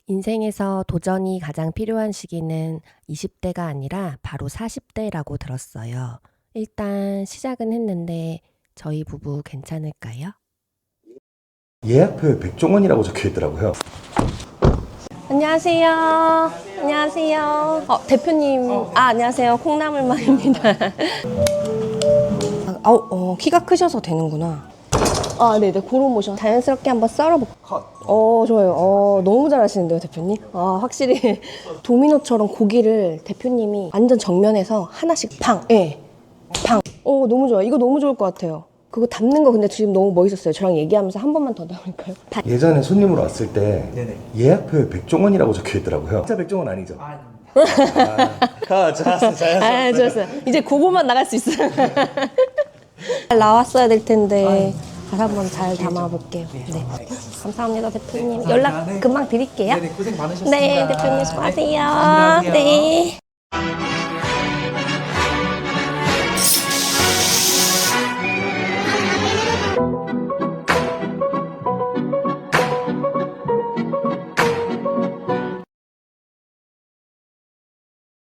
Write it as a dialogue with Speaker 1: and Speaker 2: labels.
Speaker 1: 인생에서 도전이 가장 필요한 시기는 20대가 아니라 바로 40대라고 들었어요. 일단 시작은 했는데 저희 부부 괜찮을까요?
Speaker 2: 예약표에 백종원이라고 적혀 있더라고요.
Speaker 1: 안녕하세요. 안녕하세요. 대표님. 안녕하세요. 콩나물만입니다. 키가 크셔서 되는구나. 네네. 고런 모션. 자연스럽게 한번 썰어볼게요. 좋아요. 너무 잘하시는데요, 대표님? 확실히 도미노처럼 고기를 대표님이 완전 정면에서 하나씩 팡. 예. 팡. 너무 좋아요. 이거 너무 좋을 것 같아요. 그거 담는 거 근데 지금 너무 멋있었어요. 저랑 얘기하면서 한 번만 더 담을까요?
Speaker 2: 예전에 손님으로 왔을 때
Speaker 3: 네네.
Speaker 2: 예약표에 백종원이라고 적혀 있더라고요. 진짜 백종원 아니죠? 잘했어.
Speaker 1: 좋았어요. 이제 그거만 나갈 수 있어요. 잘 나왔어야 될 텐데 잘 한번 잘 담아볼게요. 네. 감사합니다, 대표님. 연락 금방 드릴게요.
Speaker 3: 네네, 고생 많으셨습니다.
Speaker 1: 네, 대표님 수고하세요.
Speaker 3: 안녕하세요.
Speaker 1: 네.